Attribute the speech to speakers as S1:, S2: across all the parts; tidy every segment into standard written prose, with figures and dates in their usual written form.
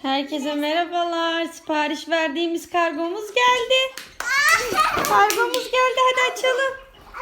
S1: Herkese merhabalar. Sipariş verdiğimiz kargomuz geldi. Kargomuz geldi. Hadi açalım.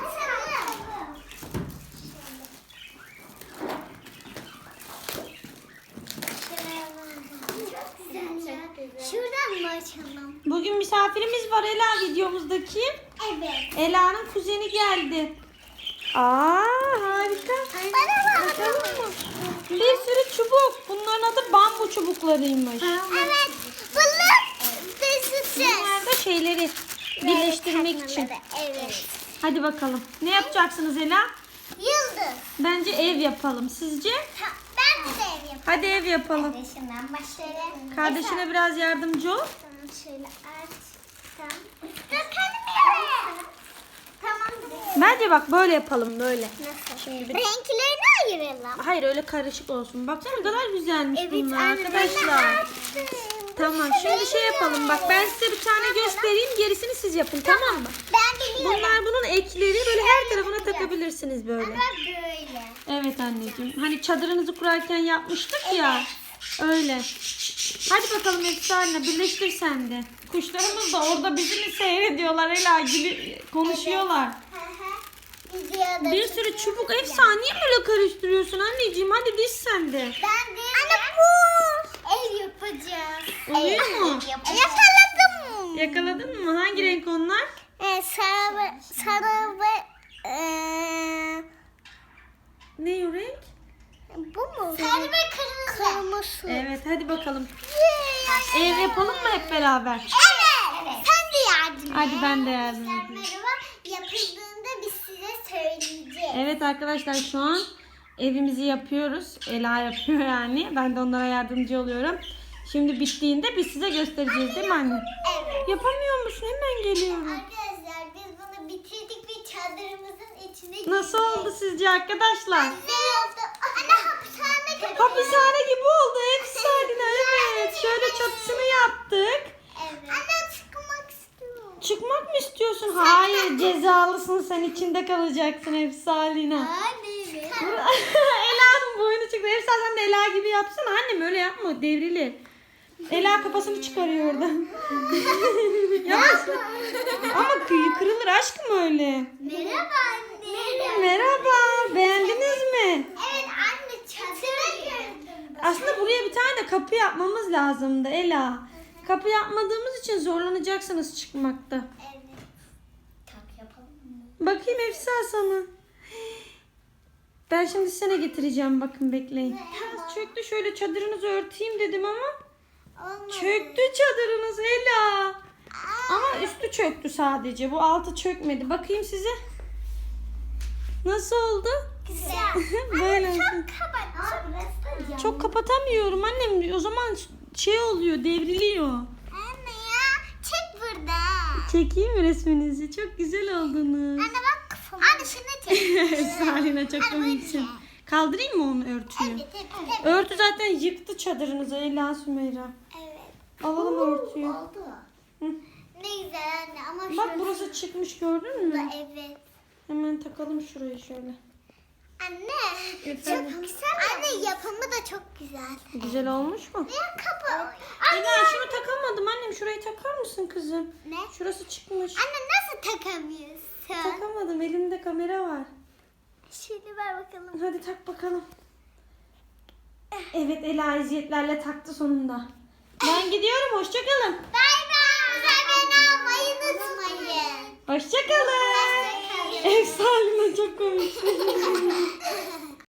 S2: Şuradan mı açalım?
S1: Bugün misafirimiz var Ela videomuzdaki.
S2: Evet.
S1: Ela'nın kuzeni geldi. Aa, harika.
S2: Bana bak.
S1: Bakalım mı? Bir sürü çubuk. Bunların adı bambu çubuklarıymış.
S2: Evet. Bunlar dışısı.
S1: Bunlar da şeyleri birleştirmek için.
S2: Evet.
S1: Hadi bakalım. Ne yapacaksınız Ela?
S2: Yıldız.
S1: Bence ev yapalım. Sizce?
S2: Ben de ev yapayım.
S1: Hadi ev yapalım.
S2: Kardeşimden başlayalım.
S1: Kardeşine biraz yardımcı ol.
S2: Tamam, şöyle açsam. Dur kendim yapayım. Tamam.
S1: Bence bak böyle yapalım böyle.
S2: Nasıl?
S1: Şimdi bir...
S2: Renklerini ayıralım.
S1: Hayır öyle karışık olsun. Baksana ne kadar güzelmiş bunlar
S2: anne,
S1: arkadaşlar.
S2: ben de açtım.
S1: Tamam şimdi şey yapalım. Bak ben size bir tane göstereyim. Gerisini siz yapın tamam mı?
S2: Ben biliyorum.
S1: Bunlar bunun ekleri böyle her tarafına takabilirsiniz böyle.
S2: Ama böyle.
S1: Evet anneciğim. Hani çadırınızı kurarken yapmıştık ya. Öyle. Hadi bakalım Efsane birleştir sen de. Kuşlarımız da orada bizi mi seyrediyorlar Ela gibi konuşuyorlar.
S2: Videoda
S1: Bir sürü çubuk. Efsane niye böyle karıştırıyorsun anneciğim? Hadi diz sen de.
S2: Ben de anne bu ev yapacağız.
S1: Oluyor mu?
S2: Yakaladım.
S1: Yakaladın mı? Hangi renk onlar?
S2: Sarı ve
S1: Ne o renk?
S2: bu mu? Sarı ve kırmızı. Kırmızı.
S1: Evet hadi bakalım. Ev yapalım mı hep beraber?
S2: Evet. Sen de yardım et.
S1: Hadi ben de yardım edeyim.
S2: Merhaba. Yapıldığında biz size söyleyeceğiz.
S1: Evet arkadaşlar şu an evimizi yapıyoruz. Ela yapıyor yani. Ben de onlara yardımcı oluyorum. Şimdi bittiğinde biz size göstereceğiz değil mi anne?
S2: Evet.
S1: Yapamıyor musun? Hemen geliyorum.
S2: Arkadaşlar biz bunu bitirdik ve çadırımızın içine
S1: Nasıl oldu sizce arkadaşlar?
S2: Güzel oldu. Anne hapishane gibi.
S1: Hapishane gibi oldu. Efsane evet. Şöyle çatısını yaptık.
S2: Evet. Anne çıkmak istiyorum.
S1: Çıkmak mı istiyorsun? Hayır cezalısın sen içinde kalacaksın Efsalina.
S2: Anne.
S1: Ela'nın boynu çıktı. Efsane sen de Ela gibi yapsana annem öyle yapma devrilir. Ela kafasını çıkarıyor oradan. Yavaş. Ama kırılır aşkım öyle.
S2: Merhaba anne.
S1: Merhaba beğendiniz mi?
S2: Evet anne çadırı gördüm.
S1: Aslında buraya bir tane de kapı yapmamız lazımdı Ela. Kapı yapmadığımız için zorlanacaksınız çıkmakta.
S2: Evet. Tak yapalım mı?
S1: Bakayım Efsa sana. Ben şimdi sana getireceğim bakın bekleyin. Biraz çöktü şöyle çadırınızı örteyim dedim ama
S2: Olmadı.
S1: çöktü çadırınız Ela. Ama üstü çöktü sadece. Bu altı çökmedi. Bakayım size. Nasıl oldu?
S2: Güzel.
S1: Böyle olsun.
S2: Çok kapat. Burası da cam.
S1: Çok kapatamıyorum annem. O zaman şey oluyor, devriliyor.
S2: Anne ya çek burada.
S1: Çekeyim mi resminizi? Çok güzel oldunuz.
S2: Anne bak kafama. Anne şunu çek.
S1: Salina çok komiksin. Kaldırayım mı onu örtüyü?
S2: Evet evet.
S1: Örtü zaten yıktı çadırınızı Ela Sümeyra.
S2: Evet.
S1: Alalım örtüyü.
S2: Oldu.
S1: Hı.
S2: Ne güzel anne ama
S1: Bak burası çıkmış gördün mü?
S2: Evet.
S1: Hemen takalım şurayı şöyle.
S2: Anne
S1: Efendim?
S2: çok güzel. Anne yapımı da çok güzel.
S1: Güzel olmuş mu?
S2: Ya kapı.
S1: Ela şunu takamadım annem. Şurayı takar mısın kızım?
S2: Ne?
S1: Şurası çıkmış.
S2: Anne nasıl takamıyorsun?
S1: Takamadım. Elimde kamera var.
S2: Şöyle ver bakalım.
S1: Hadi tak bakalım. Evet Ela eziyetlerle taktı sonunda. Ben gidiyorum. Hoşçakalın.
S2: Bay bay. Abone olmayı unutmayın.
S1: Hoşçakalın. Efsane çok komik.